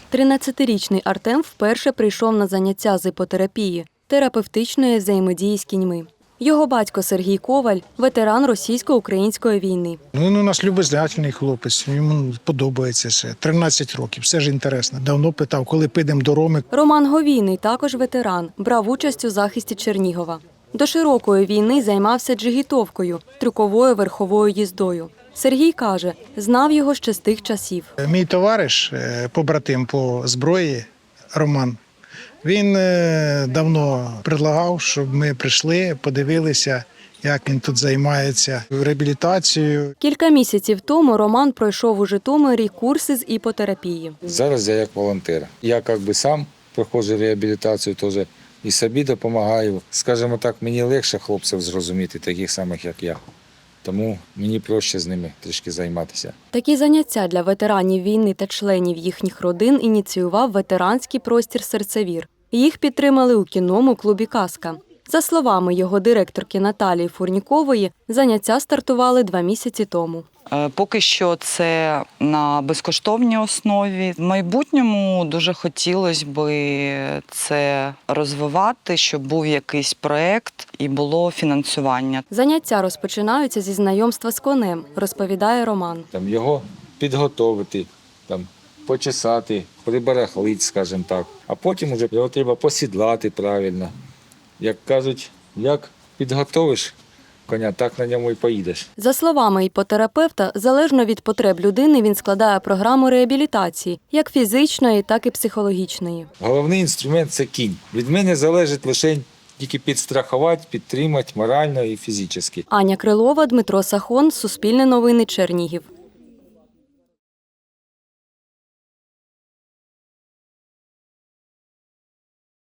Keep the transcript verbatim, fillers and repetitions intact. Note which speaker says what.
Speaker 1: тринадцятирічний Артем вперше прийшов на заняття з іпотерапії – терапевтичної взаємодії з кіньми. Його батько Сергій Коваль – ветеран російсько-української війни.
Speaker 2: Він у нас любознательний хлопець, йому подобається все. тринадцять років, все ж інтересно. Давно питав, коли підемо до Роми.
Speaker 1: Роман Говійний також ветеран, брав участь у захисті Чернігова. До широкої війни займався джигітовкою – трюковою верховою їздою. Сергій каже, знав його ще з тих часів.
Speaker 2: Мій товариш, побратим по зброї, Роман, він давно предлагав, щоб ми прийшли, подивилися, як він тут займається реабілітацією.
Speaker 1: Кілька місяців тому Роман пройшов у Житомирі курси з іпотерапії.
Speaker 3: Зараз я як волонтер. Я якби сам проходжу реабілітацію, теж і собі допомагаю. Скажімо так, мені легше хлопців зрозуміти, таких самих, як я. Тому мені проще з ними трішки займатися.
Speaker 1: Такі заняття для ветеранів війни та членів їхніх родин ініціював ветеранський простір «Серцевір». Їх підтримали у кінному клубі «Казка». За словами його директорки Наталії Фурнікової, заняття стартували два місяці тому.
Speaker 4: Поки що це на безкоштовній основі. В майбутньому дуже хотілося б це розвивати, щоб був якийсь проєкт і було фінансування.
Speaker 1: Заняття розпочинаються зі знайомства з конем, розповідає Роман.
Speaker 3: Там його підготовити, там почесати, прибарахлити, скажімо так. А потім вже його треба посідлати правильно. Як кажуть, як підготовиш коня, так на ньому і поїдеш.
Speaker 1: За словами іпотерапевта, залежно від потреб людини він складає програму реабілітації, як фізичної, так і психологічної.
Speaker 3: Головний інструмент – це кінь. Від мене залежить лише тільки підстрахувати, підтримати морально і фізично.
Speaker 1: Аня Крилова, Дмитро Сахон, Суспільне новини, Чернігів.